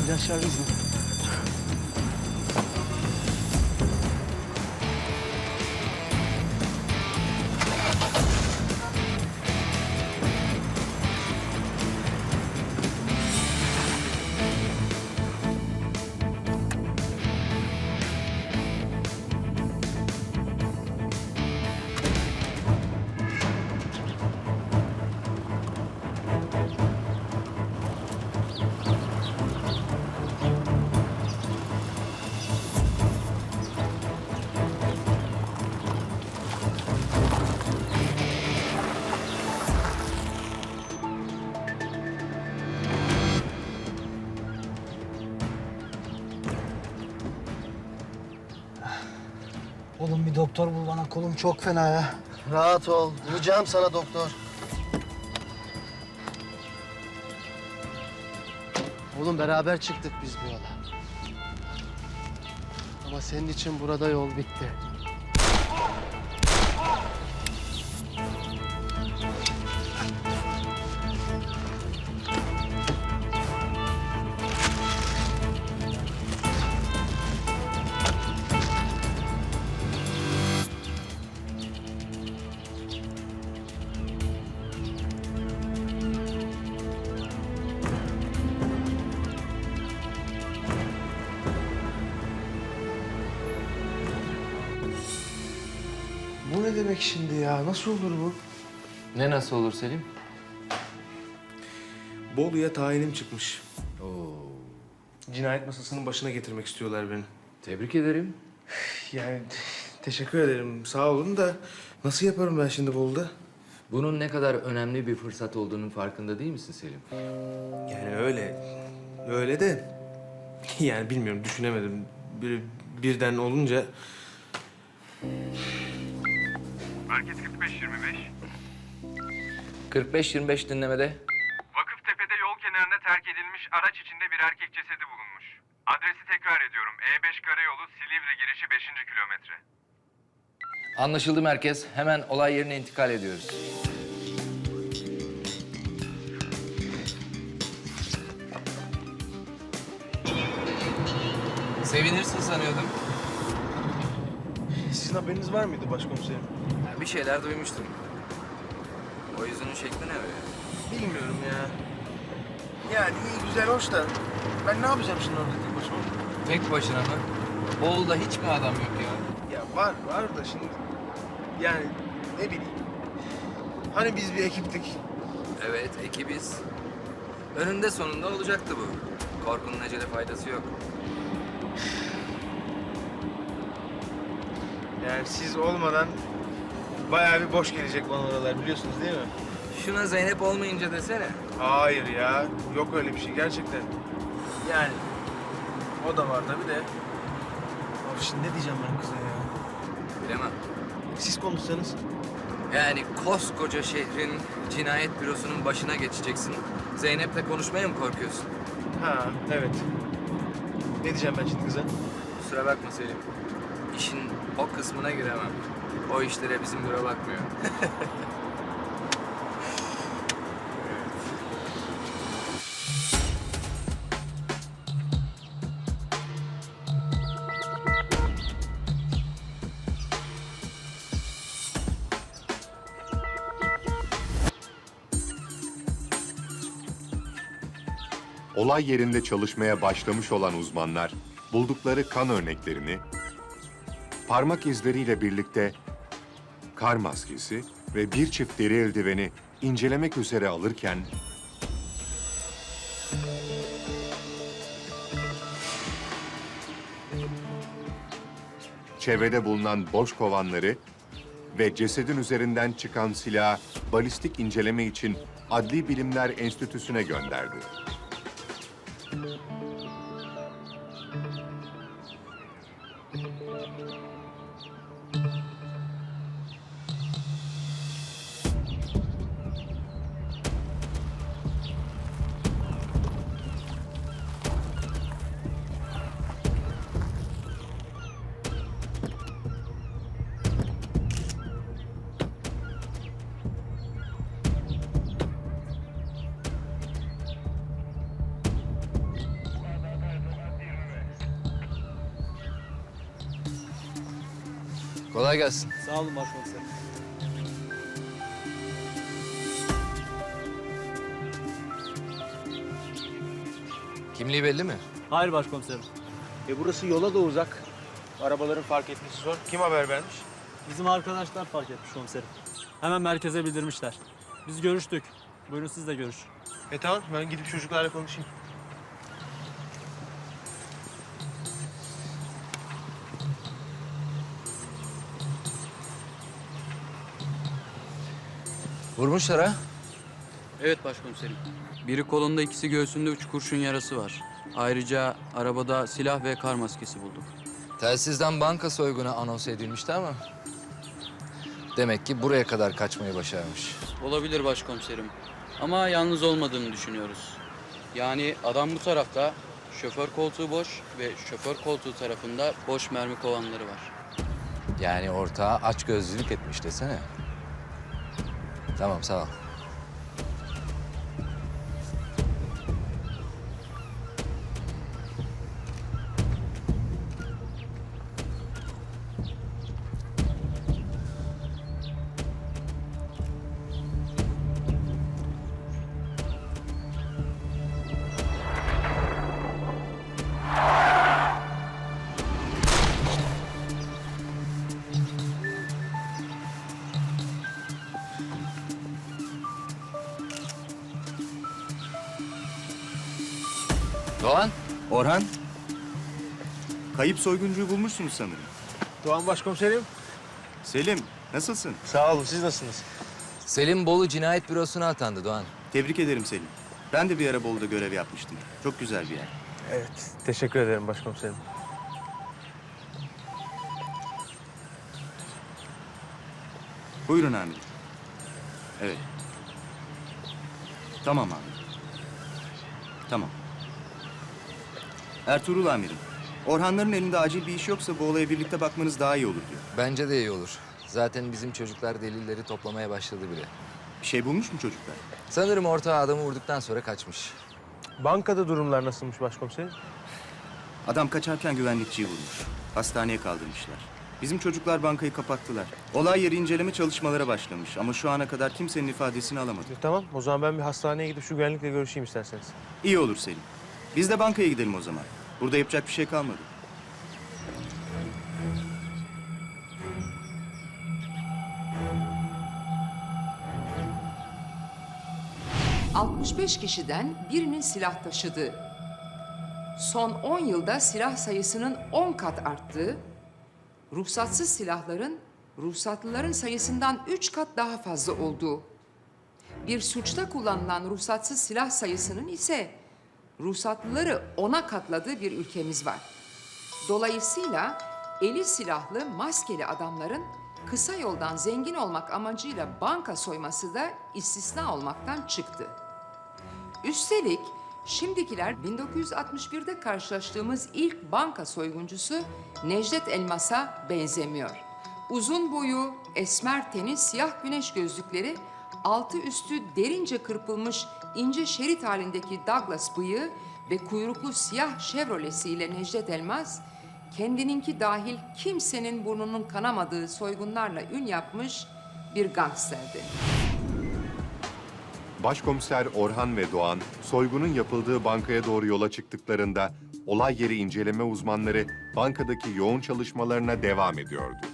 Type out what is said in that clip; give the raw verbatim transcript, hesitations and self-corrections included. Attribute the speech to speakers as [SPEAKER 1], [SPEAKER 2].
[SPEAKER 1] İlaçlar bizim. Oğlum bir doktor bul bana, kolum çok fena ya.
[SPEAKER 2] Rahat ol. Bulacağım sana doktor. Oğlum beraber çıktık biz bu yola. Ama senin için burada yol bitti.
[SPEAKER 1] Bu ne demek şimdi ya? Nasıl olur bu?
[SPEAKER 3] Ne nasıl olur Selim?
[SPEAKER 4] Bolu'ya tayinim çıkmış.
[SPEAKER 3] Oo,
[SPEAKER 4] Cinayet masasının başına getirmek istiyorlar beni.
[SPEAKER 3] tebrik ederim.
[SPEAKER 4] Yani teşekkür ederim, sağ olun da nasıl yaparım ben şimdi Bolu'da?
[SPEAKER 3] Bunun ne kadar önemli bir fırsat olduğunun farkında değil misin Selim?
[SPEAKER 4] Yani öyle, öyle de yani bilmiyorum, düşünemedim. Bir, birden olunca
[SPEAKER 5] Merkez kırk beş yirmi beş.
[SPEAKER 3] kırk beş yirmi beş dinlemede.
[SPEAKER 5] Vakıftepe'de yol kenarında terk edilmiş araç içinde bir erkek cesedi bulunmuş. Adresi tekrar ediyorum. E beş Karayolu, Silivri girişi beşinci kilometre.
[SPEAKER 3] Anlaşıldı merkez. Hemen olay yerine intikal ediyoruz. Sevinirsin sanıyordum.
[SPEAKER 4] sizin haberiniz var mıydı başkomiserim?
[SPEAKER 3] Bir şeyler duymuştum. O yüzünün şekli ne öyle?
[SPEAKER 4] Bilmiyorum ya. Yani iyi güzel hoş da ben ne yapacağım şimdi orada tek başıma?
[SPEAKER 3] Tek başına mı? Bolu'da hiç mi adam yok ya?
[SPEAKER 4] Ya var, var da şimdi yani ne bileyim. Hani biz bir ekiptik.
[SPEAKER 3] Evet, ekibiz. Önünde sonunda olacaktı bu. Korkunun acele faydası yok.
[SPEAKER 4] Yani siz olmadan bayağı bir boş gelecek bana oralar, biliyorsunuz değil mi?
[SPEAKER 3] Şuna Zeynep olmayınca desene.
[SPEAKER 4] Hayır ya, yok öyle bir şey gerçekten. Yani o da var tabii de. Of, şimdi ne diyeceğim ben kıza ya?
[SPEAKER 3] Bilemem.
[SPEAKER 4] Siz konuşsanız.
[SPEAKER 3] Yani koskoca şehrin cinayet bürosunun başına geçeceksin. Zeynep'le konuşmaya mı korkuyorsun?
[SPEAKER 4] Ha, evet. Ne diyeceğim ben şimdi kıza?
[SPEAKER 3] Kusura bakma Selim. İşin o kısmına giremem. O işlere bizim büro bakmıyor.
[SPEAKER 6] Olay yerinde çalışmaya başlamış olan uzmanlar buldukları kan örneklerini parmak izleriyle birlikte kar maskesi ve bir çift deri eldiveni incelemek üzere alırken çevrede bulunan boş kovanları ve cesedin üzerinden çıkan silahı balistik inceleme için Adli Bilimler Enstitüsü'ne gönderdi.
[SPEAKER 3] Kolay gelsin.
[SPEAKER 7] Sağ olun başkomiserim.
[SPEAKER 3] Kimliği belli mi?
[SPEAKER 7] Hayır başkomiserim.
[SPEAKER 4] E burası yola da uzak. Arabaların fark etmesi zor. Kim haber vermiş?
[SPEAKER 7] Bizim arkadaşlar fark etmiş komiserim. Hemen merkeze bildirmişler. Biz görüştük. Buyurun siz de görüş.
[SPEAKER 4] E tamam, ben gidip çocuklarla konuşayım.
[SPEAKER 3] Vurmuşlar ha?
[SPEAKER 8] Evet başkomiserim. Biri kolunda, ikisi göğsünde üç kurşun yarası var. Ayrıca arabada silah ve kar maskesi bulduk.
[SPEAKER 3] Telsizden banka soygunu anons edilmişti ama... Demek ki buraya kadar kaçmayı başarmış.
[SPEAKER 8] Olabilir başkomiserim. Ama yalnız olmadığını düşünüyoruz. Yani adam bu tarafta, şoför koltuğu boş ve şoför koltuğu tarafında boş mermi kovanları var.
[SPEAKER 3] Yani ortağa açgözlülük etmiş desene. Tamam, sağ ol. Doğan,
[SPEAKER 9] Orhan, kayıp soyguncuyu bulmuşsunuz sanırım.
[SPEAKER 4] Doğan başkomiserim.
[SPEAKER 9] Selim, nasılsın?
[SPEAKER 4] Sağ olun, siz nasılsınız?
[SPEAKER 3] Selim Bolu Cinayet Bürosu'na atandı Doğan.
[SPEAKER 9] Tebrik ederim Selim. Ben de bir ara Bolu'da görev yapmıştım. Çok güzel bir yer.
[SPEAKER 4] Evet, teşekkür ederim başkomiserim.
[SPEAKER 9] Buyurun amirim. Evet. Tamam amirim. Tamam. Ertuğrul amirim, Orhanların elinde acil bir iş yoksa bu olaya birlikte bakmanız daha iyi olur diyor.
[SPEAKER 3] Bence de iyi olur. Zaten bizim çocuklar delilleri toplamaya başladı bile.
[SPEAKER 9] Bir şey bulmuş mu çocuklar?
[SPEAKER 3] Sanırım ortağı adamı vurduktan sonra kaçmış.
[SPEAKER 4] Bankada durumlar nasılmış başkomiserim?
[SPEAKER 9] Adam kaçarken güvenlikçiyi vurmuş. Hastaneye kaldırmışlar. Bizim çocuklar bankayı kapattılar. Olay yeri inceleme çalışmalara başlamış ama şu ana kadar kimsenin ifadesini alamadı.
[SPEAKER 4] E, tamam, o zaman ben bir hastaneye gidip şu güvenlikle görüşeyim isterseniz.
[SPEAKER 9] İyi olur Selim. Biz de bankaya gidelim o zaman. Burada yapacak bir şey kalmadı.
[SPEAKER 10] altmış beş kişiden birinin silah taşıdığı, son on yılda silah sayısının on kat arttığı, ruhsatsız silahların ruhsatlıların sayısından üç kat daha fazla olduğu, bir suçta kullanılan ruhsatsız silah sayısının ise ruhsatlıları ona katladığı bir ülkemiz var. Dolayısıyla eli silahlı, maskeli adamların kısa yoldan zengin olmak amacıyla banka soyması da istisna olmaktan çıktı. Üstelik şimdikiler bin dokuz yüz altmış birde karşılaştığımız ilk banka soyguncusu Necdet Elmas'a benzemiyor. Uzun boyu, esmer teni, siyah güneş gözlükleri, altı üstü derince kırpılmış ince şerit halindeki Douglas bıyığı ve kuyruklu siyah Chevrolet'siyle Necdet Elmas, kendininki dahil kimsenin burnunun kanamadığı soygunlarla ün yapmış bir gangsterdi.
[SPEAKER 6] Başkomiser Orhan ve Doğan, soygunun yapıldığı bankaya doğru yola çıktıklarında olay yeri inceleme uzmanları bankadaki yoğun çalışmalarına devam ediyordu.